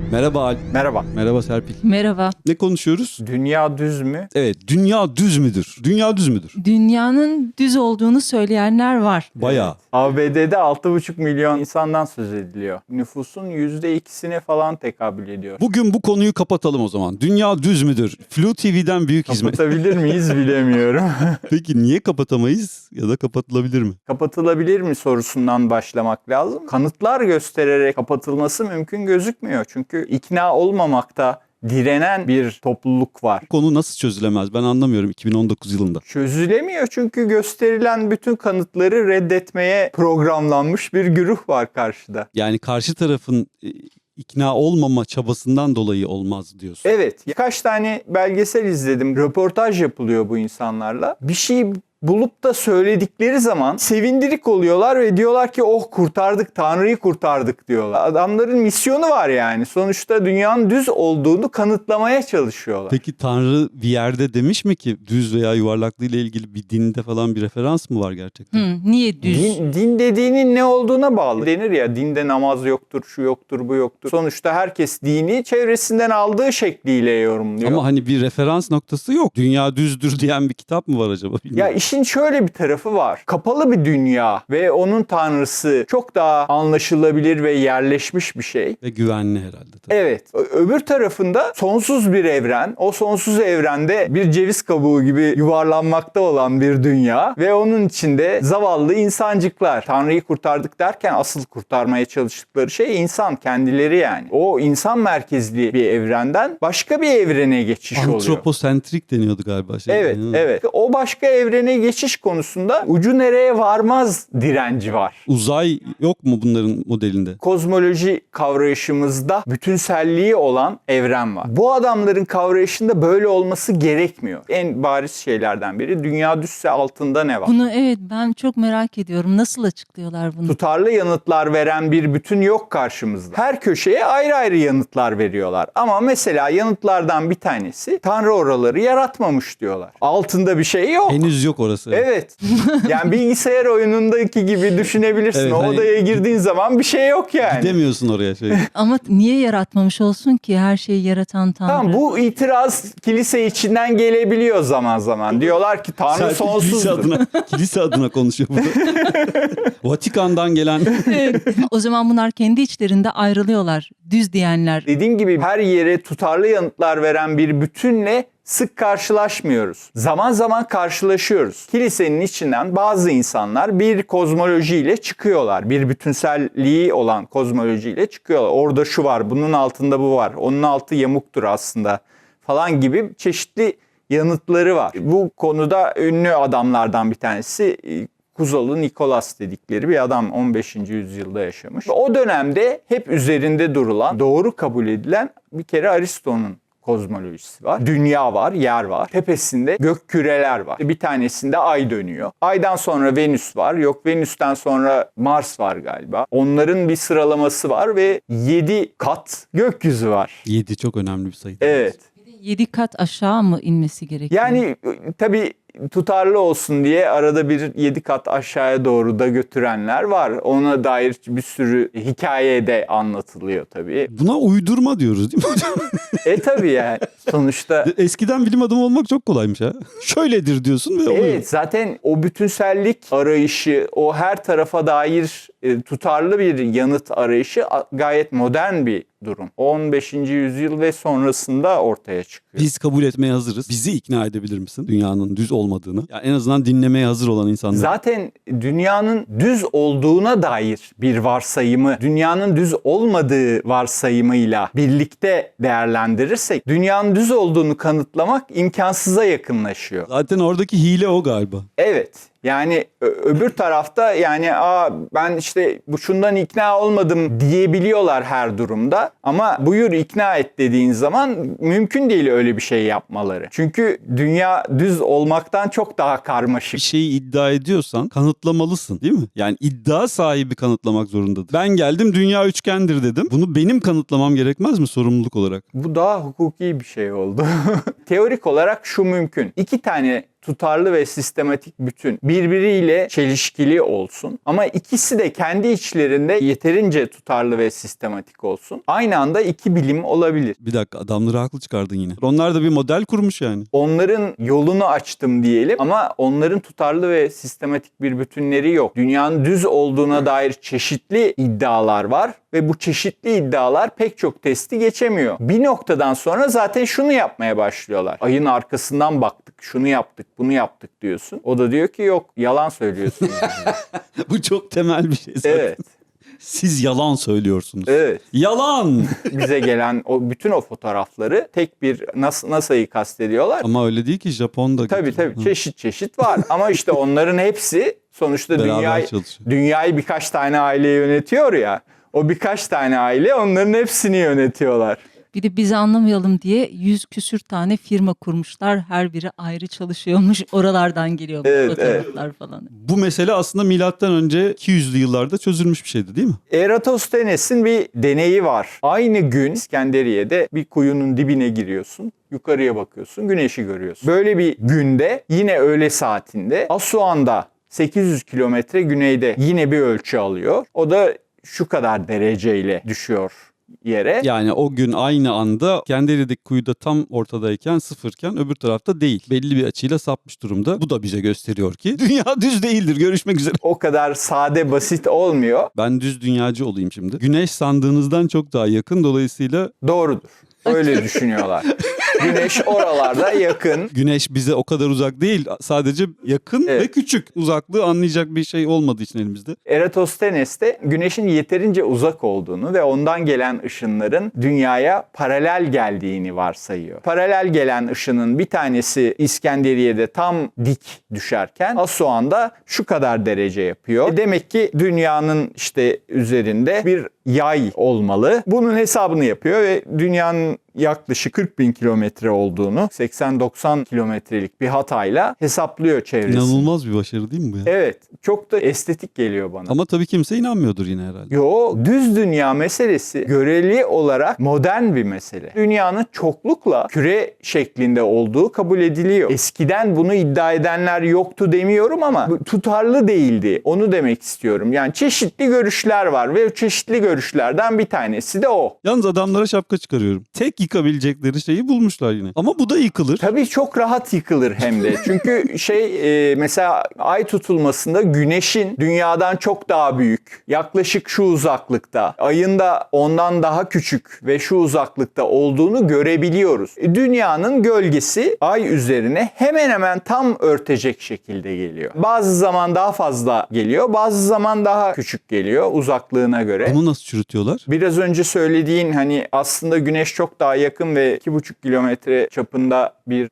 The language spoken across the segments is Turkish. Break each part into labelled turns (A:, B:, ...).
A: Merhaba Alp.
B: Merhaba.
A: Merhaba Serpil.
C: Merhaba.
A: Ne konuşuyoruz?
B: Dünya düz mü?
A: Evet, dünya düz müdür? Dünya düz müdür?
C: Dünyanın düz olduğunu söyleyenler var.
A: Bayağı.
B: ABD'de 6,5 milyon insandan söz ediliyor. Nüfusun %2'sine falan tekabül ediyor.
A: Bugün bu konuyu kapatalım o zaman. Dünya düz müdür? Flu TV'den büyük hizmet.
B: Kapatabilir miyiz bilemiyorum.
A: Peki niye kapatamayız ya da kapatılabilir mi?
B: Kapatılabilir mi sorusundan başlamak lazım. Kanıtlar göstererek kapatılması mümkün gözükmüyor. Çünkü ikna olmamakta direnen bir topluluk var.
A: Bu konu nasıl çözülemez? Ben anlamıyorum 2019 yılında.
B: Çözülemiyor çünkü gösterilen bütün kanıtları reddetmeye programlanmış bir güruh var karşıda.
A: Yani karşı tarafın ikna olmama çabasından dolayı olmaz diyorsun.
B: Evet, birkaç tane belgesel izledim. Röportaj yapılıyor bu insanlarla. Bir şey bulup da söyledikleri zaman sevindirik oluyorlar ve diyorlar ki oh kurtardık, Tanrı'yı kurtardık diyorlar. Adamların misyonu var yani. Sonuçta dünyanın düz olduğunu kanıtlamaya çalışıyorlar.
A: Peki Tanrı bir yerde demiş mi ki düz veya yuvarlaklığı ile ilgili bir dinde falan bir referans mı var gerçekten?
C: Niye düz?
B: Din dediğinin ne olduğuna bağlı. Denir ya dinde namaz yoktur, şu yoktur, bu yoktur. Sonuçta herkes dini çevresinden aldığı şekliyle yorumluyor.
A: Ama hani bir referans noktası yok. Dünya düzdür diyen bir kitap mı var acaba? Bilmiyorum.
B: Ya işin şöyle bir tarafı var. Kapalı bir dünya ve onun tanrısı çok daha anlaşılabilir ve yerleşmiş bir şey.
A: Ve güvenli herhalde. Tabii.
B: Evet. Öbür tarafında sonsuz bir evren. O sonsuz evrende bir ceviz kabuğu gibi yuvarlanmakta olan bir dünya ve onun içinde zavallı insancıklar. Tanrı'yı kurtardık derken asıl kurtarmaya çalıştıkları şey insan kendileri yani. O insan merkezli bir evrenden başka bir evrene geçiş oluyor.
A: Antroposentrik deniyordu galiba.
B: Evet, evet. O başka evrene geçiş konusunda ucu nereye varmaz direnci var.
A: Uzay yok mu bunların modelinde?
B: Kozmoloji kavrayışımızda bütünselliği olan evren var. Bu adamların kavrayışında böyle olması gerekmiyor. En bariz şeylerden biri dünya düzse altında ne var?
C: Bunu evet ben çok merak ediyorum. Nasıl açıklıyorlar bunu?
B: Tutarlı yanıtlar veren bir bütün yok karşımızda. Her köşeye ayrı ayrı yanıtlar veriyorlar. Ama mesela yanıtlardan bir tanesi Tanrı oraları yaratmamış diyorlar. Altında bir şey yok.
A: Henüz yok orası.
B: Evet. Yani bilgisayar oyunundaki gibi düşünebilirsin.
A: Evet,
B: o
A: hani
B: odaya girdiğin zaman bir şey yok yani.
A: Gidemiyorsun oraya.
C: Ama niye yaratmamış olsun ki her şeyi yaratan Tanrı?
B: Tamam, bu itiraz kilise içinden gelebiliyor zaman zaman. Diyorlar ki Tanrı
A: Serpil
B: sonsuzdur.
A: kilise adına konuşuyor burada. Vatikan'dan gelen
C: O zaman bunlar kendi içlerinde ayrılıyorlar. Düz diyenler.
B: Dediğim gibi her yere tutarlı yanıtlar veren bir bütünle sık karşılaşmıyoruz. Zaman zaman karşılaşıyoruz. Kilisenin içinden bazı insanlar bir kozmolojiyle çıkıyorlar. Bir bütünselliği olan kozmolojiyle çıkıyorlar. Orada şu var, bunun altında bu var. Onun altı yamuktur aslında falan gibi çeşitli yanıtları var. Bu konuda ünlü adamlardan bir tanesi Kuzalı Nikolas dedikleri bir adam 15. yüzyılda yaşamış. O dönemde hep üzerinde durulan, doğru kabul edilen bir kere Aristo'nun kozmolojisi var. Dünya var, yer var. Tepesinde gök küreler var. Bir tanesinde ay dönüyor. Aydan sonra Venüs var. Yok, Venüs'ten sonra Mars var galiba. Onların bir sıralaması var ve 7 kat gökyüzü var.
A: 7 çok önemli bir sayı.
B: Evet.
C: 7 kat aşağı mı inmesi gerekiyor?
B: Yani tabii tutarlı olsun diye arada bir 7 kat aşağıya doğru da götürenler var. Ona dair bir sürü hikaye de anlatılıyor tabii.
A: Buna uydurma diyoruz değil mi hocam?
B: Tabii yani sonuçta.
A: Eskiden bilim adamı olmak çok kolaymış ha. Şöyledir diyorsun ve oluyor.
B: Evet, zaten o bütünsellik arayışı, o her tarafa dair tutarlı bir yanıt arayışı gayet modern bir durum. 15. yüzyıl ve sonrasında ortaya çıkıyor.
A: Biz kabul etmeye hazırız. Bizi ikna edebilir misin dünyanın düz olmadığını? Yani en azından dinlemeye hazır olan insanlar.
B: Zaten dünyanın düz olduğuna dair bir varsayımı, dünyanın düz olmadığı varsayımıyla birlikte değerlendirirsek, dünyanın düz olduğunu kanıtlamak imkansıza yakınlaşıyor.
A: Zaten oradaki hile o galiba.
B: Evet. Yani öbür tarafta yani ben işte bu şundan ikna olmadım diyebiliyorlar her durumda. Ama buyur ikna et dediğin zaman mümkün değil öyle bir şey yapmaları. Çünkü dünya düz olmaktan çok daha karmaşık.
A: Bir şeyi iddia ediyorsan kanıtlamalısın değil mi? Yani iddia sahibi kanıtlamak zorundadır. Ben geldim dünya üçgendir dedim. Bunu benim kanıtlamam gerekmez mi sorumluluk olarak?
B: Bu daha hukuki bir şey oldu. Teorik olarak şu mümkün. 2 tane tutarlı ve sistematik bütün birbiriyle çelişkili olsun ama ikisi de kendi içlerinde yeterince tutarlı ve sistematik olsun. Aynı anda iki bilim olabilir.
A: Bir dakika, adamları haklı çıkardın yine. Onlar da bir model kurmuş yani.
B: Onların yolunu açtım diyelim ama onların tutarlı ve sistematik bir bütünleri yok. Dünyanın düz olduğuna dair çeşitli iddialar var ve bu çeşitli iddialar pek çok testi geçemiyor. Bir noktadan sonra zaten şunu yapmaya başlıyorlar. Ayın arkasından baktık, şunu yaptık, bunu yaptık diyorsun. O da diyor ki yok, yalan söylüyorsunuz.
A: Bu çok temel bir şey zaten.
B: Evet.
A: Siz yalan söylüyorsunuz.
B: Evet.
A: Yalan!
B: Bize gelen bütün o fotoğrafları tek bir NASA'yı kastediyorlar.
A: Ama öyle değil ki, Japon'da.
B: Tabii çeşit çeşit var ama işte onların hepsi sonuçta
A: Beraber çalışıyor.
B: dünyayı birkaç tane aile yönetiyor ya. O birkaç tane aile onların hepsini yönetiyorlar.
C: Bir de bizi anlamayalım diye 100 küsür tane firma kurmuşlar. Her biri ayrı çalışıyormuş. Oralardan geliyor bu
B: Evet,
C: fotoğraflar falan.
A: Bu mesele aslında milattan önce 200'lü yıllarda çözülmüş bir şeydi değil mi?
B: Eratosthenes'in bir deneyi var. Aynı gün İskenderiye'de bir kuyunun dibine giriyorsun. Yukarıya bakıyorsun, güneşi görüyorsun. Böyle bir günde yine öğle saatinde Asuan'da 800 kilometre güneyde yine bir ölçü alıyor. O da şu kadar dereceyle düşüyor yere.
A: Yani o gün aynı anda Kenderi'deki kuyuda tam ortadayken, sıfırken öbür tarafta değil. Belli bir açıyla sapmış durumda. Bu da bize gösteriyor ki dünya düz değildir. Görüşmek üzere.
B: O kadar sade basit olmuyor.
A: Ben düz dünyacı olayım şimdi. Güneş sandığınızdan çok daha yakın, dolayısıyla
B: Doğrudur. Öyle düşünüyorlar. Güneş oralarda yakın.
A: güneş bize o kadar uzak değil. Sadece yakın
B: Evet.
A: ve küçük. Uzaklığı anlayacak bir şey olmadığı için elimizde.
B: Eratosthenes de güneşin yeterince uzak olduğunu ve ondan gelen ışınların dünyaya paralel geldiğini varsayıyor. Paralel gelen ışının bir tanesi İskenderiye'de tam dik düşerken Asuan'da şu kadar derece yapıyor. Demek ki dünyanın işte üzerinde bir yay olmalı. Bunun hesabını yapıyor ve dünyanın yaklaşık 40 bin kilometre olduğunu 80-90 kilometrelik bir hatayla hesaplıyor çevresini.
A: İnanılmaz bir başarı değil mi bu ya?
B: Evet. Çok da estetik geliyor bana.
A: Ama tabii kimse inanmıyordur yine herhalde.
B: Yo, düz dünya meselesi göreli olarak modern bir mesele. Dünyanın çoklukla küre şeklinde olduğu kabul ediliyor. Eskiden bunu iddia edenler yoktu demiyorum ama bu tutarlı değildi. Onu demek istiyorum. Yani çeşitli görüşler var ve çeşitli görüşlerden bir tanesi de o.
A: Yalnız adamlara şapka çıkarıyorum. Tek yıkabilecekleri şeyi bulmuşlar yine. Ama bu da yıkılır.
B: Tabii çok rahat yıkılır hem de. Çünkü mesela ay tutulmasında güneşin dünyadan çok daha büyük, yaklaşık şu uzaklıkta, ayın da ondan daha küçük ve şu uzaklıkta olduğunu görebiliyoruz. Dünyanın gölgesi ay üzerine hemen hemen tam örtecek şekilde geliyor. Bazı zaman daha fazla geliyor, bazı zaman daha küçük geliyor uzaklığına göre.
A: Bunu nasıl çürütüyorlar?
B: Biraz önce söylediğin hani aslında güneş çok daha yakın ve 2,5 kilometre çapında bir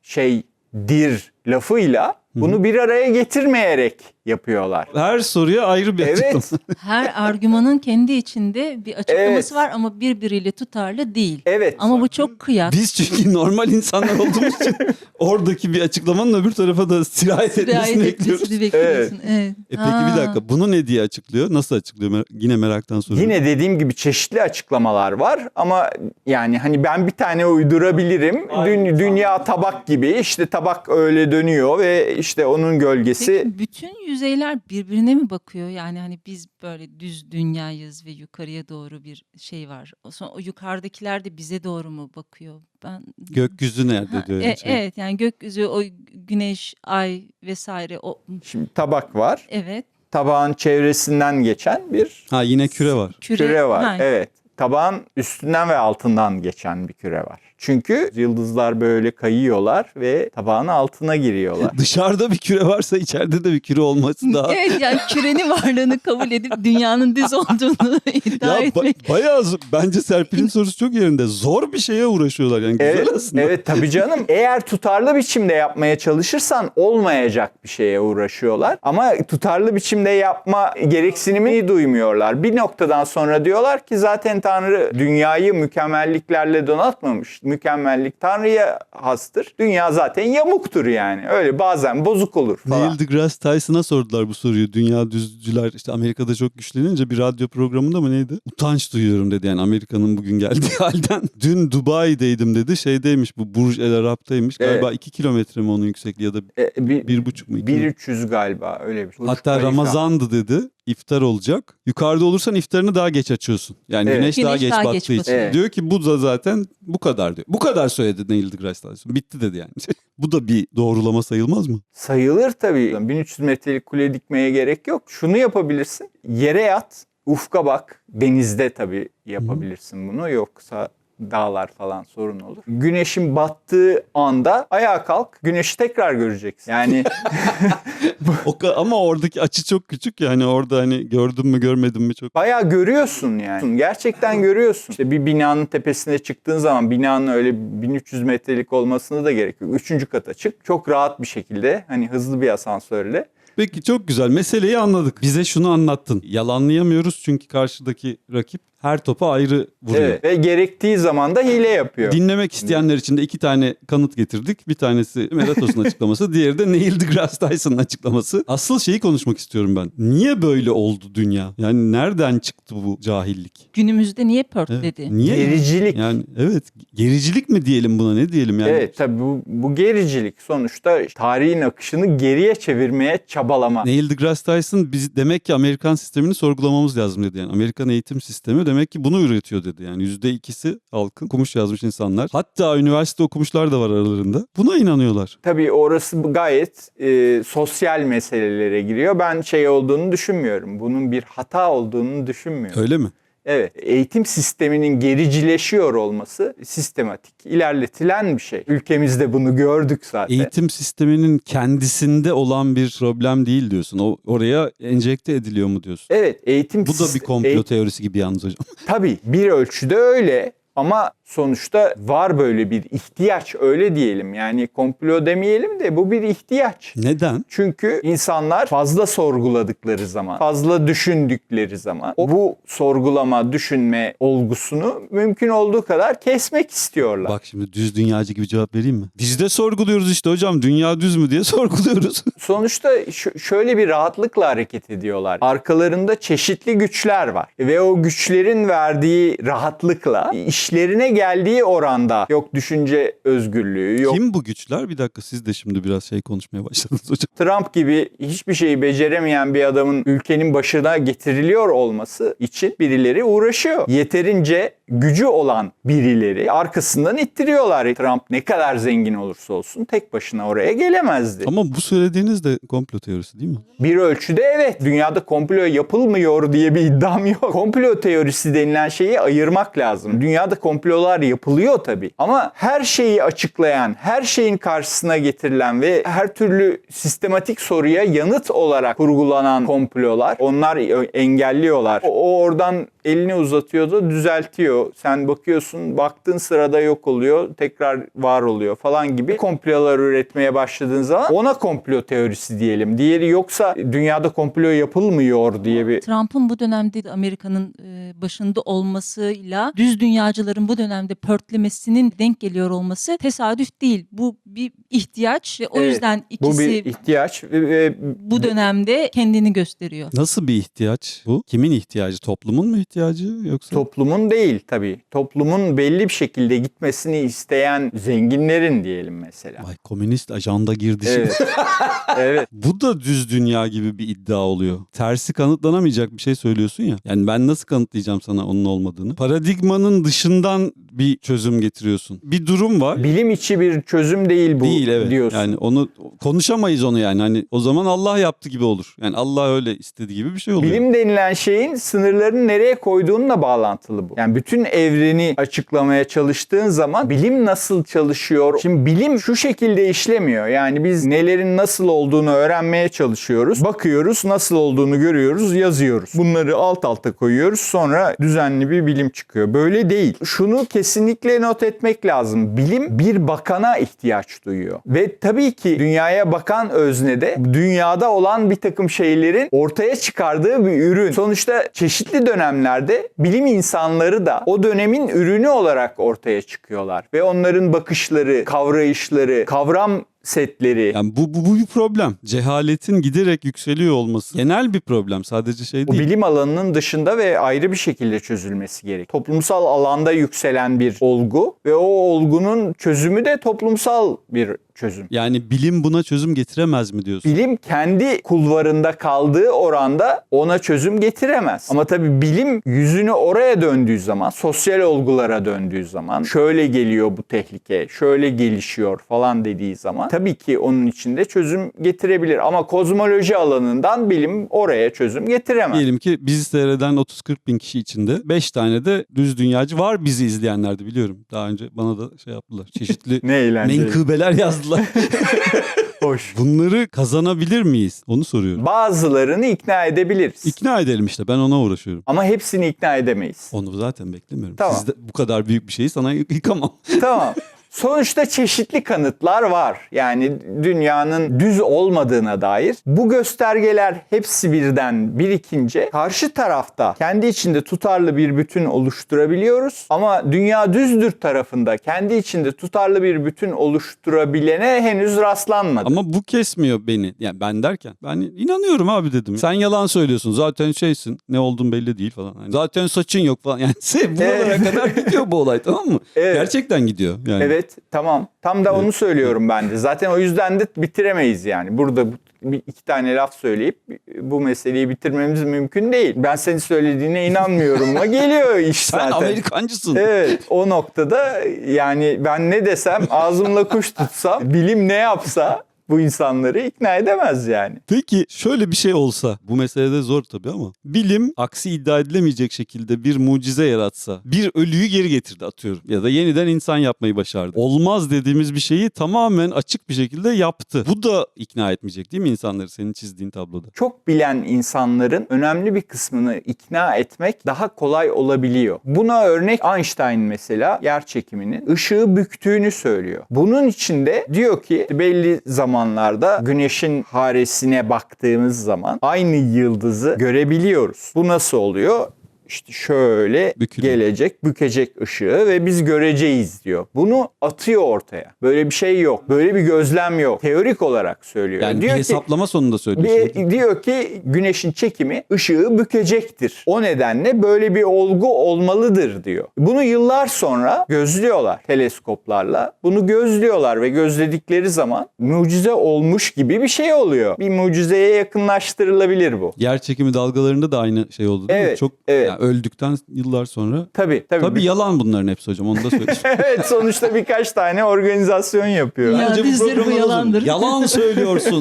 B: şeydir lafıyla bunu bir araya getirmeyerek yapıyorlar.
A: Her soruya ayrı bir açıklama.
B: Evet,
C: Her argümanın kendi içinde bir açıklaması
B: Evet.
C: var ama birbiriyle tutarlı değil.
B: evet.
C: Ama bu çok kıyak.
A: Biz çünkü normal insanlar olduğumuz için oradaki bir açıklamanın öbür tarafa da sirayet etmesini bekliyoruz.
C: etmesini bekliyorsun. Evet.
A: Peki bir dakika, bunu ne diye açıklıyor? Nasıl açıklıyor? Yine meraktan soruyorum.
B: Yine dediğim gibi çeşitli açıklamalar var ama yani hani ben bir tane uydurabilirim. Dünya tabak gibi, işte tabak öyle dönüyor ve işte onun gölgesi.
C: Peki bütün yüzeyler birbirine mi bakıyor? Yani hani biz böyle düz dünyayız ve yukarıya doğru bir şey var. Sonra o yukarıdakiler de bize doğru mu bakıyor? Ben
A: Gökyüzü nerede
C: Ha,
A: diyor.
C: evet yani gökyüzü, o güneş, ay vesaire o
B: Şimdi tabak var.
C: evet.
B: Tabağın çevresinden geçen bir
A: Ha, yine küre var.
B: küre var.
C: Ha,
B: Evet. Tabağın üstünden ve altından geçen bir küre var. Çünkü yıldızlar böyle kayıyorlar ve tabağın altına giriyorlar.
A: Dışarıda bir küre varsa içeride de bir küre olması daha...
C: Evet yani kürenin varlığını kabul edip dünyanın düz olduğunu iddia
A: Ya
C: etmek.
A: bayağı bence Serpil'in sorusu çok yerinde. Zor bir şeye uğraşıyorlar yani, güzel
B: Evet,
A: aslında.
B: evet tabii canım. Eğer tutarlı biçimde yapmaya çalışırsan olmayacak bir şeye uğraşıyorlar. Ama tutarlı biçimde yapma gereksinimi duymuyorlar. Bir noktadan sonra diyorlar ki zaten Tanrı dünyayı mükemmelliklerle donatmamış. mükemmellik Tanrı'ya hastır. Dünya zaten yamuktur yani. Öyle bazen bozuk olur falan.
A: Neil deGrasse Tyson'a sordular bu soruyu. Dünya düzcüler işte Amerika'da çok güçlenince bir radyo programında mı neydi? Utanç duyuyorum dedi yani Amerika'nın bugün geldiği halden. Dün Dubai'deydim dedi. Şeydeymiş bu Burj El Arab'taymış. Galiba 2 kilometre mi onun yüksekliği ya da 1,5 mu?
B: 1.300 galiba öyle bir şey.
A: Hatta Ramazan'dı dedi. İftar olacak. Yukarıda olursan iftarını daha geç açıyorsun. Yani
B: Evet.
A: güneş daha geç
C: daha
A: battığı
C: geç
A: için.
C: batıyor.
B: Evet.
A: Diyor ki bu da zaten bu kadar diyor. Bu kadar söyledi Neil deGrasse Tyson. Bitti dedi yani. Bu da bir doğrulama sayılmaz mı?
B: Sayılır tabii. 1300 metrelik kule dikmeye gerek yok. Şunu yapabilirsin. Yere yat, ufka bak. Denizde tabii yapabilirsin bunu. Yoksa dağlar falan sorun olur. Güneşin battığı anda ayağa kalk. Güneşi tekrar göreceksin. Yani
A: Ama oradaki açı çok küçük ya hani orada hani gördün mü görmedin mi çok.
B: bayağı görüyorsun yani. Gerçekten görüyorsun. İşte bir binanın tepesine çıktığın zaman binanın öyle 1300 metrelik olmasına da gerek yok. 3. kata çık. Çok rahat bir şekilde hani hızlı bir asansörle.
A: Peki çok güzel meseleyi anladık. Bize şunu anlattın. Yalanlayamıyoruz çünkü karşıdaki rakip her topa ayrı vuruyor.
B: Evet. Ve gerektiği zaman da hile yapıyor.
A: Dinlemek isteyenler için de 2 tane kanıt getirdik. Bir tanesi Meratos'un açıklaması, diğeri de Neil deGrasse Tyson'ın açıklaması. Asıl şeyi konuşmak istiyorum ben. Niye böyle oldu dünya? Yani nereden çıktı bu cahillik?
C: Günümüzde niye pörtledi?
A: Niye?
B: Gericilik.
A: Yani evet, gericilik mi diyelim buna, ne diyelim yani?
B: Evet tabii bu gericilik sonuçta tarihin akışını geriye çevirmeye çabalama.
A: Neil deGrasse Tyson biz demek ki Amerikan sistemini sorgulamamız lazım dedi. Yani Amerikan eğitim sistemi demek ki bunu üretiyor dedi. Yani %2'si halkın okumuş yazmış insanlar. Hatta üniversite okumuşlar da var aralarında. Buna inanıyorlar.
B: Tabii orası gayet sosyal meselelere giriyor. Ben şey olduğunu düşünmüyorum. Bunun bir hata olduğunu düşünmüyorum.
A: Öyle mi?
B: Evet, eğitim sisteminin gericileşiyor olması sistematik, ilerletilen bir şey. Ülkemizde bunu gördük zaten.
A: Eğitim sisteminin kendisinde olan bir problem değil diyorsun. O oraya enjekte ediliyor mu diyorsun?
B: Evet, eğitim
A: Bu da bir komplo teorisi gibi yalnız hocam.
B: Tabii bir ölçüde öyle ama sonuçta var böyle bir ihtiyaç, öyle diyelim. Yani komplo demeyelim de bu bir ihtiyaç.
A: Neden?
B: Çünkü insanlar fazla sorguladıkları zaman, fazla düşündükleri zaman bu sorgulama, düşünme olgusunu mümkün olduğu kadar kesmek istiyorlar.
A: Bak şimdi düz dünyacı gibi cevap vereyim mi? Biz de sorguluyoruz işte hocam. Dünya düz mü diye sorguluyoruz.
B: Sonuçta şöyle bir rahatlıkla hareket ediyorlar. Arkalarında çeşitli güçler var ve o güçlerin verdiği rahatlıkla işlerine geldiği oranda yok düşünce özgürlüğü, yok
A: Kim bu güçler? Bir dakika, siz de şimdi biraz şey konuşmaya başladınız hocam.
B: Trump gibi hiçbir şeyi beceremeyen bir adamın ülkenin başına getiriliyor olması için birileri uğraşıyor. Yeterince gücü olan birileri arkasından ittiriyorlar. Trump ne kadar zengin olursa olsun tek başına oraya gelemezdi.
A: Ama bu söylediğiniz de komplo teorisi değil mi?
B: Bir ölçüde evet. Dünyada komplo yapılmıyor diye bir iddiam yok. Komplo teorisi denilen şeyi ayırmak lazım. Dünyada komplolar yapılıyor tabii. Ama her şeyi açıklayan, her şeyin karşısına getirilen ve her türlü sistematik soruya yanıt olarak kurgulanan komplolar, onlar engelliyorlar. O oradan elini uzatıyor da düzeltiyor. Sen bakıyorsun, baktığın sırada yok oluyor, tekrar var oluyor falan gibi komplolar üretmeye başladığın zaman ona komplo teorisi diyelim. Diğeri yoksa dünyada komplo yapılmıyor diye bir...
C: Trump'ın bu dönemde Amerika'nın başında olmasıyla düz dünyacıların bu dönemde pörtlemesinin denk geliyor olması tesadüf değil. Bu bir ihtiyaç ve o
B: Evet,
C: yüzden
B: bu
C: ikisi
B: bir ihtiyaç ve
C: bu dönemde kendini gösteriyor.
A: Nasıl bir ihtiyaç bu? Kimin ihtiyacı? Toplumun mu ihtiyacı yoksa?
B: toplumun değil tabii. Toplumun belli bir şekilde gitmesini isteyen zenginlerin diyelim mesela.
A: Vay, komünist ajanda girdi şimdi.
B: Evet. Evet.
A: Bu da düz dünya gibi bir iddia oluyor. Tersi kanıtlanamayacak bir şey söylüyorsun ya. Yani ben nasıl kanıtlayacağım sana onun olmadığını? Paradigmanın dışından bir çözüm getiriyorsun. Bir durum var.
B: Bilim içi bir çözüm değil bu
A: Değil, evet.
B: diyorsun.
A: Yani onu konuşamayız onu yani. Hani o zaman Allah yaptı gibi olur. Yani Allah öyle istediği gibi bir şey oluyor.
B: Bilim denilen şeyin sınırlarını nereye koyduğunla bağlantılı bu. Yani bütün evreni açıklamaya çalıştığın zaman bilim nasıl çalışıyor? Şimdi bilim şu şekilde işlemiyor. Yani biz nelerin nasıl olduğunu öğrenmeye çalışıyoruz. Bakıyoruz, nasıl olduğunu görüyoruz, yazıyoruz. Bunları alt alta koyuyoruz. Sonra düzenli bir bilim çıkıyor. Böyle değil. Şunu kesinlikle kesinlikle not etmek lazım. Bilim bir bakana ihtiyaç duyuyor. Ve tabii ki dünyaya bakan öznede dünyada olan bir takım şeylerin ortaya çıkardığı bir ürün. Sonuçta çeşitli dönemlerde bilim insanları da o dönemin ürünü olarak ortaya çıkıyorlar. Ve onların bakışları, kavrayışları, kavram setleri.
A: Yani bu bir problem. Cehaletin giderek yükseliyor olması genel bir problem. Sadece şey
B: O
A: değil.
B: bilim alanının dışında ve ayrı bir şekilde çözülmesi gerek. Toplumsal alanda yükselen bir olgu ve o olgunun çözümü de toplumsal bir çözüm.
A: Yani bilim buna çözüm getiremez mi diyorsun?
B: Bilim kendi kulvarında kaldığı oranda ona çözüm getiremez. Ama tabii bilim yüzünü oraya döndüğü zaman, sosyal olgulara döndüğü zaman, şöyle geliyor bu tehlike, şöyle gelişiyor falan dediği zaman tabii ki onun içinde çözüm getirebilir. Ama kozmoloji alanından bilim oraya çözüm getiremez.
A: Diyelim ki bizi seyreden 30-40 bin kişi içinde 5 tane de düz dünyacı var bizi izleyenlerde biliyorum. Daha önce bana da şey yaptılar. Çeşitli
B: Ne eğlenceli.
A: menkıbeler yazdılar.
B: Hoş.
A: Bunları kazanabilir miyiz? Onu soruyorum.
B: Bazılarını ikna edebiliriz.
A: İkna edelim işte. Ben ona uğraşıyorum.
B: Ama hepsini ikna edemeyiz.
A: Onu zaten beklemiyorum.
B: Tamam.
A: Siz de bu kadar büyük bir şeyi sana yıkamam.
B: Tamam. Sonuçta çeşitli kanıtlar var. Yani dünyanın düz olmadığına dair. Bu göstergeler hepsi birden birikince karşı tarafta kendi içinde tutarlı bir bütün oluşturabiliyoruz. Ama dünya düzdür tarafında kendi içinde tutarlı bir bütün oluşturabilene henüz rastlanmadı.
A: Ama bu kesmiyor beni. Yani ben derken. Ben inanıyorum abi dedim. Sen yalan söylüyorsun. Zaten şeysin. Ne olduğun belli değil falan. Yani zaten saçın yok falan. Yani buralara kadar gidiyor bu olay, tamam mı?
B: Evet.
A: Gerçekten gidiyor. Yani.
B: Evet, tamam. Tam da onu söylüyorum ben de. Zaten o yüzden de bitiremeyiz yani. Burada iki tane laf söyleyip bu meseleyi bitirmemiz mümkün değil. Ben senin söylediğine inanmıyorum ama geliyor iş
A: Sen
B: zaten.
A: Amerikancısın.
B: Evet, o noktada yani ben ne desem, ağzımla kuş tutsam, bilim ne yapsa bu insanları ikna edemez yani.
A: Peki şöyle bir şey olsa, bu meselede zor tabii ama bilim aksi iddia edilemeyecek şekilde bir mucize yaratsa, bir ölüyü geri getirdi atıyorum ya da yeniden insan yapmayı başardı. Olmaz dediğimiz bir şeyi tamamen açık bir şekilde yaptı. Bu da ikna etmeyecek değil mi insanları senin çizdiğin tabloda?
B: Çok bilen insanların önemli bir kısmını ikna etmek daha kolay olabiliyor. Buna örnek Einstein mesela yer çekiminin ışığı büktüğünü söylüyor. Bunun içinde diyor ki belli zamanlarda güneşin haresine baktığımız zaman aynı yıldızı görebiliyoruz. Bu nasıl oluyor? İşte şöyle
A: Bükülüyor.
B: gelecek, bükecek ışığı ve biz göreceğiz diyor. Bunu atıyor ortaya. Böyle bir şey yok. Böyle bir gözlem yok. Teorik olarak söylüyor.
A: Yani
B: diyor
A: bir hesaplama sonunda söylüyorsun.
B: diyor ki güneşin çekimi ışığı bükecektir. O nedenle böyle bir olgu olmalıdır diyor. Bunu yıllar sonra gözlüyorlar teleskoplarla. Bunu gözlüyorlar ve gözledikleri zaman mucize olmuş gibi bir şey oluyor. Bir mucizeye yakınlaştırılabilir bu.
A: Yer çekimi dalgalarında da aynı şey oldu değil mi?
B: Evet,
A: Çok
B: evet.
A: yani öldükten yıllar sonra.
B: Tabii.
A: Tabii yalan bunların hepsi hocam, onu da söyleyeyim.
B: Evet, sonuçta birkaç tane organizasyon yapıyor.
C: Ya
A: Bence
C: bizleri bu
A: programın adı-
C: yalandır.
A: Yalan söylüyorsun.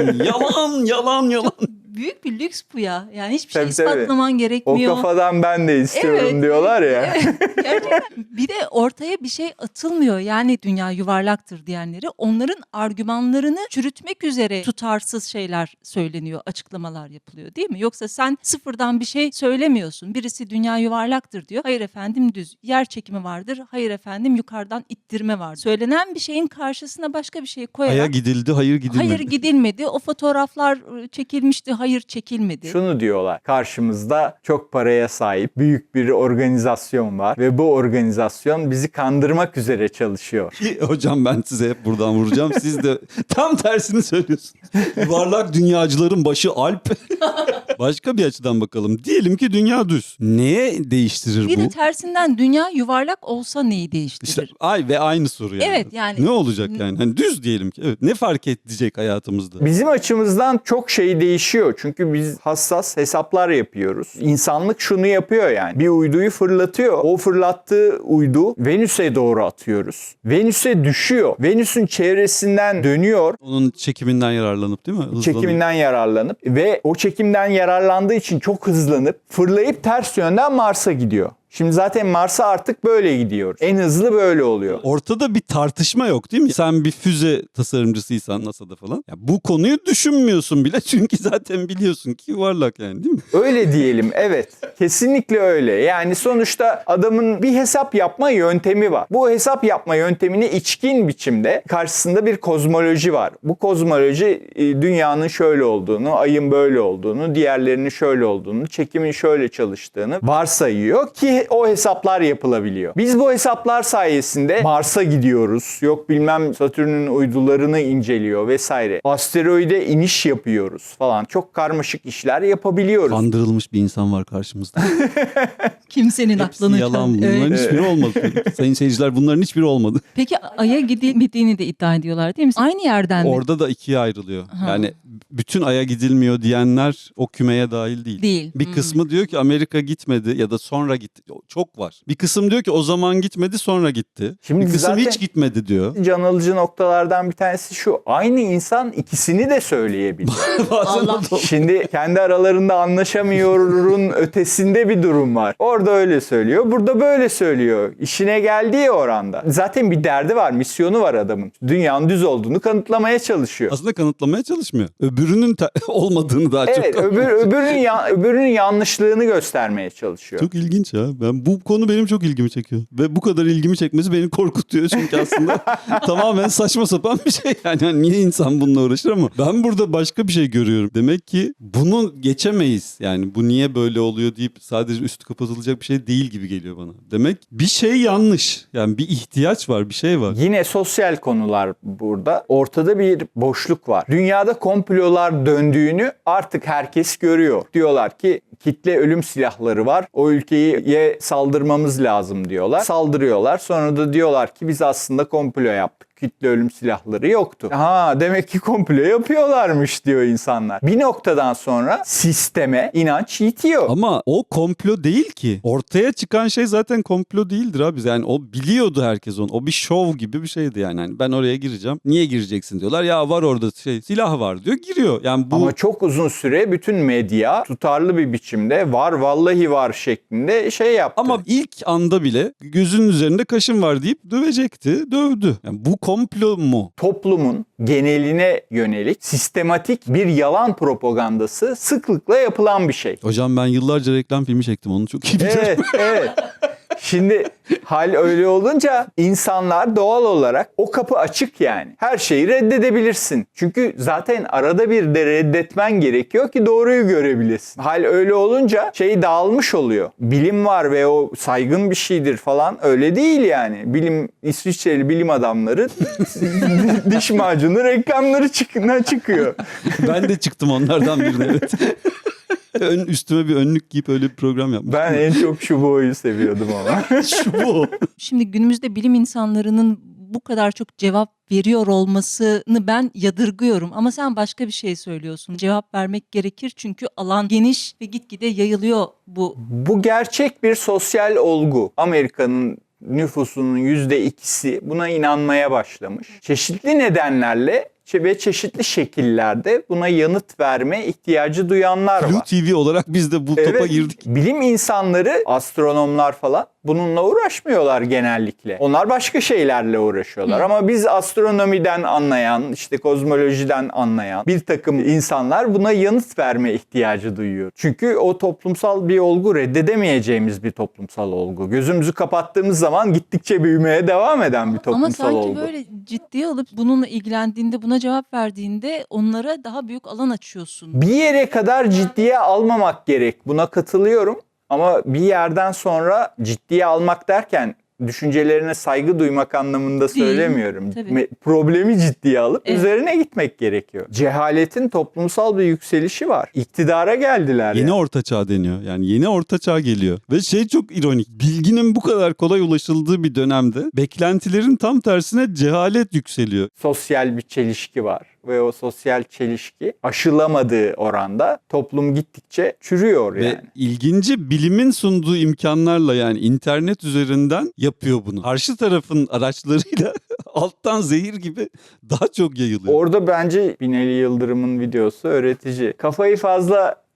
A: Yalan.
C: Büyük bir lüks bu ya. Yani hiçbir
B: Tabii,
C: şey ispatlaman
B: O
C: gerekmiyor.
B: kafadan ben de istiyorum
C: Evet,
B: diyorlar ya.
C: Gerçekten. Bir de ortaya bir şey atılmıyor. Yani dünya yuvarlaktır diyenleri, onların argümanlarını çürütmek üzere tutarsız şeyler söyleniyor, açıklamalar yapılıyor değil mi? Yoksa sen sıfırdan bir şey söylemiyorsun. Birisi dünya yuvarlaktır diyor. Hayır efendim düz. Yer çekimi vardır. Hayır efendim yukarıdan ittirme var. Söylenen bir şeyin karşısına başka bir şey koyarak
A: Aya gidildi, hayır gidilmedi.
C: hayır gidilmedi. O fotoğraflar çekilmişti. Hayır çekilmedi.
B: Şunu diyorlar. Karşımızda çok paraya sahip büyük bir organizasyon var ve bu organizasyon bizi kandırmak üzere çalışıyor.
A: Hocam ben size hep buradan vuracağım. Siz de tam tersini söylüyorsunuz. Yuvarlak dünyacıların başı Alp. Başka bir açıdan bakalım. Diyelim ki dünya düz. Neye değiştirir
C: Bir
A: bu?
C: de tersinden dünya yuvarlak olsa neyi değiştirir?
A: İşte ve aynı soru yani.
C: Evet, yani-
A: Ne olacak yani? Hani düz diyelim ki. Evet. Ne fark edecek hayatımızda?
B: Bizim açımızdan çok şey değişiyor. Çünkü biz hassas hesaplar yapıyoruz. İnsanlık şunu yapıyor yani. Bir uyduyu fırlatıyor. O fırlattığı uydu Venüs'e doğru atıyoruz. Venüs'e düşüyor. Venüs'ün çevresinden dönüyor.
A: Onun çekiminden yararlanıp değil mi? Hızlanıp.
B: Çekiminden yararlanıp ve o çekimden yararlandığı için çok hızlanıp fırlayıp ters yönden Mars'a gidiyor. Şimdi zaten Mars'a artık böyle gidiyoruz. En hızlı böyle oluyor.
A: Ortada bir tartışma yok değil mi? Sen bir füze tasarımcısıysan NASA'da falan. Ya bu konuyu düşünmüyorsun bile çünkü zaten biliyorsun ki yuvarlak yani değil mi?
B: Öyle diyelim, evet. Kesinlikle öyle. Yani sonuçta adamın bir hesap yapma yöntemi var. Bu hesap yapma yöntemini içkin biçimde karşısında bir kozmoloji var. Bu kozmoloji dünyanın şöyle olduğunu, ayın böyle olduğunu, diğerlerinin şöyle olduğunu, çekimin şöyle çalıştığını varsayıyor ki o hesaplar yapılabiliyor. Biz bu hesaplar sayesinde Mars'a gidiyoruz. Yok bilmem Satürn'ün uydularını inceliyor vesaire. Asteroide iniş yapıyoruz falan. Çok karmaşık işler yapabiliyoruz.
A: Kandırılmış bir insan var karşımızda.
C: Kimsenin
A: Hepsi
C: aklını
A: yalan.
C: Evet.
A: Bunların hiçbiri olmadı. Sayın seyirciler bunların hiçbiri olmadı.
C: Peki Ay'a gidilmediğini de iddia ediyorlar değil mi? Aynı yerden mi?
A: Orada da ikiye ayrılıyor.
C: Ha.
A: Yani bütün Ay'a gidilmiyor diyenler o kümeye dahil değil.
C: Değil.
A: Bir kısmı diyor ki Amerika gitmedi ya da sonra gitti. Çok var. Bir kısım diyor ki o zaman gitmedi sonra gitti.
B: Şimdi
A: bir kısım
B: zaten-
A: hiç gitmedi diyor.
B: Can alıcı noktalardan bir tanesi şu. Aynı insan ikisini de söyleyebiliyor.
A: Bazen
C: Allah.
A: o da-
B: Şimdi kendi aralarında anlaşamıyorun ötesinde bir durum var. Orada öyle söylüyor, burada böyle söylüyor. İşine geldiği oranda. Zaten bir derdi var, misyonu var adamın. Dünyanın düz olduğunu kanıtlamaya çalışıyor.
A: Aslında kanıtlamaya çalışmıyor. Öbürünün olmadığını daha
B: Evet,
A: çok
B: öbürünün yanlışlığını göstermeye çalışıyor.
A: Çok ilginç ya. Bu konu benim çok ilgimi çekiyor. Ve bu kadar ilgimi çekmesi beni korkutuyor. Çünkü aslında tamamen saçma sapan bir şey. Yani niye insan bununla uğraşır ama ben burada başka bir şey görüyorum. Demek ki bunu geçemeyiz. Yani bu niye böyle oluyor deyip sadece üstü kapatılacak bir şey değil gibi geliyor bana. Demek bir şey yanlış. Yani bir ihtiyaç var, bir şey var.
B: Yine sosyal konular burada. Ortada bir boşluk var. Dünyada komplolar döndüğünü artık herkes görüyor. Diyorlar ki kitle ölüm silahları var. O ülkeye saldırmamız lazım diyorlar. Saldırıyorlar. Sonra da diyorlar ki biz aslında komplo yaptık. Kitle ölüm silahları yoktu. Ha demek ki komplo yapıyorlarmış diyor insanlar. Bir noktadan sonra sisteme inanç yitiyor.
A: Ama o komplo değil ki. Ortaya çıkan şey zaten komplo değildir abi. Yani o biliyordu herkes onu. O bir şov gibi bir şeydi yani. Hani ben oraya gireceğim. Niye gireceksin diyorlar. Ya var orada silah var diyor. Giriyor. Yani bu
B: Ama çok uzun süre bütün medya tutarlı bir biçimde var vallahi var şeklinde şey yaptı.
A: ama ilk anda bile gözünün üzerinde kaşın var deyip dövecekti. Dövdü. Yani bu komplo mu?
B: toplumun geneline yönelik sistematik bir yalan propagandası sıklıkla yapılan bir şey.
A: Hocam ben yıllarca reklam filmi çektim. Onu çok iyi biliyorum.
B: Evet, evet. Şimdi hal öyle olunca insanlar doğal olarak o kapı açık yani. Her şeyi reddedebilirsin. Çünkü zaten arada bir de reddetmen gerekiyor ki doğruyu görebilesin. Hal öyle olunca şey dağılmış oluyor. Bilim var ve o saygın bir şeydir falan öyle değil yani. İsviçreli bilim adamları diş macunu reklamları çıkıyor.
A: Ben de çıktım onlardan birine. Evet. Üstüme bir önlük giyip öyle bir program yapmıştım.
B: Ben en çok şu boyu seviyordum ama.
A: Şu bu.
C: Şimdi günümüzde bilim insanlarının bu kadar çok cevap veriyor olmasını ben yadırgıyorum. Ama sen başka bir şey söylüyorsun. Cevap vermek gerekir çünkü alan geniş ve gitgide yayılıyor bu.
B: Bu gerçek bir sosyal olgu. Amerika'nın nüfusunun %2'si buna inanmaya başlamış. Çeşitli nedenlerle ve çeşitli şekillerde buna yanıt verme ihtiyacı duyanlar
A: Blue
B: var.
A: TV olarak biz de bu topa
B: Evet,
A: girdik.
B: bilim insanları, astronomlar falan bununla uğraşmıyorlar genellikle. Onlar başka şeylerle uğraşıyorlar. Ama biz astronomiden anlayan, işte kozmolojiden anlayan bir takım insanlar buna yanıt verme ihtiyacı duyuyor. Çünkü o toplumsal bir olgu, reddedemeyeceğimiz bir toplumsal olgu. Gözümüzü kapattığımız zaman gittikçe büyümeye devam eden bir
C: Ama
B: toplumsal
C: sanki
B: olgu.
C: böyle ciddiye alıp bununla ilgilendiğinde, buna cevap verdiğinde onlara daha büyük alan açıyorsun.
B: Bir yere kadar ciddiye almamak gerek. Buna katılıyorum. Ama bir yerden sonra ciddiye almak derken düşüncelerine saygı duymak anlamında
C: Değil,
B: söylemiyorum.
C: tabii.
B: Problemi ciddiye alıp
C: Evet.
B: üzerine gitmek gerekiyor. Cehaletin toplumsal bir yükselişi var. İktidara geldiler.
A: Yeni
B: yani.
A: orta çağ deniyor. Yani yeni orta çağ geliyor. Ve şey çok ironik. Bilginin bu kadar kolay ulaşıldığı bir dönemde beklentilerin tam tersine cehalet yükseliyor.
B: Sosyal bir çelişki var. Ve o sosyal çelişki aşılamadığı oranda toplum gittikçe çürüyor yani.
A: Ve ilginci bilimin sunduğu imkanlarla yani internet üzerinden yapıyor bunu. Karşı tarafın araçlarıyla alttan zehir gibi daha çok yayılıyor.
B: Orada bence Binali Yıldırım'ın videosu öğretici. Kafayı fazla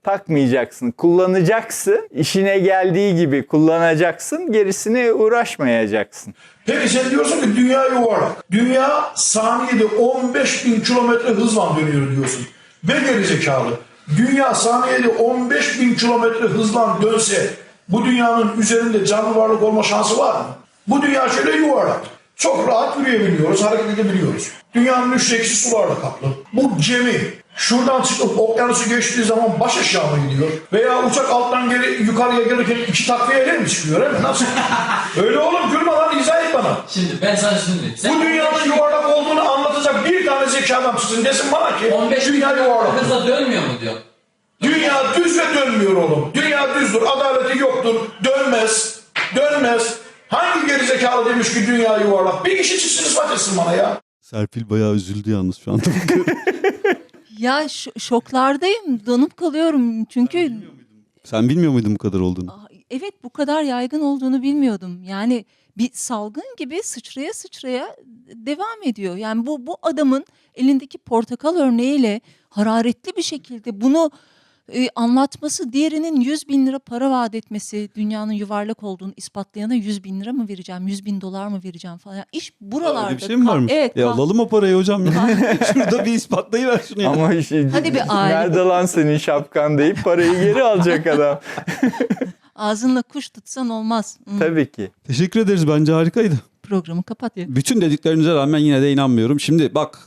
B: takmayacaksın, kullanacaksın. İşine geldiği gibi kullanacaksın, gerisine uğraşmayacaksın.
D: Peki sen diyorsun ki dünya yuvarlak. Dünya saniyede 15.000 kilometre hızla dönüyor diyorsun. Ve gerizekalı. Dünya saniyede 15.000 kilometre hızla dönse bu dünyanın üzerinde canlı varlık olma şansı var mı? Bu dünya şöyle yuvarlak. Çok rahat yürüyebiliyoruz, hareket edebiliyoruz. Dünyanın 3'te 2'si sularla kaplı. Bu gemi şuradan çıkıp okyanusu geçtiği zaman baş aşağı mı gidiyor? Veya uçak alttan yukarıya gelirken 2 takviyeyle mi çıkıyor? Değil mi? Nasıl? Öyle oğlum, gülme lan, izah et bana.
E: Şimdi ben sana şunu diyeyim.
D: Bu dünyanın yuvarlak olduğunu anlatacak bir tane zeki adam çıksın desin bana ki
E: 15
D: dünya yuvarlak.
E: hızla dönmüyor mu diyor.
D: Dünya düz ve dönmüyor oğlum. Dünya düzdür, adaleti yoktur, dönmez, dönmez. Hangi gerizekalı demiş ki dünya yuvarlak? Bir kişi çıksın ispat etsin bana ya.
A: Serpil bayağı üzüldü yalnız şu anda.
C: Ya şoklardayım, donup kalıyorum çünkü
A: Sen bilmiyor muydun bu kadar olduğunu?
C: evet, bu kadar yaygın olduğunu bilmiyordum. Yani bir salgın gibi sıçraya sıçraya devam ediyor. Yani bu adamın elindeki portakal örneğiyle hararetli bir şekilde bunu anlatması, diğerinin 100.000 lira para vaat etmesi, dünyanın yuvarlak olduğunu ispatlayana 100.000 lira mı vereceğim, 100.000 dolar mı vereceğim falan. İş buralarda.
A: Öyle bir şey mi varmış?
C: Evet.
A: Alalım o parayı hocam. Şurada bir ispatlayıver şunu ya.
B: Ama
C: Hadi bir aile.
B: nerede lan senin şapkan deyip parayı geri alacak adam.
C: Ağzınla kuş tutsan olmaz.
B: Tabii ki.
A: Teşekkür ederiz, bence harikaydı.
C: Programı kapat ya.
A: Bütün dediklerinize rağmen yine de inanmıyorum. Şimdi bak.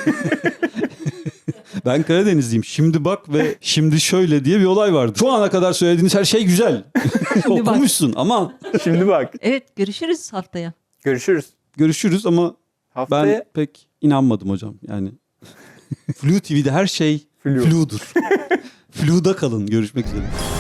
A: Ben Karadenizliyim. Şimdi bak ve şimdi şöyle diye bir olay vardı. Şu ana kadar söylediğiniz her şey güzel.
C: bak.
A: Okumuşsun ama
B: Şimdi bak.
C: Evet, görüşürüz haftaya.
B: Görüşürüz.
A: görüşürüz ama
B: Haftaya
A: ben pek inanmadım hocam. Yani Flu TV'de her şey
B: Flu.
A: fludur. Flu'da kalın. Görüşmek üzere.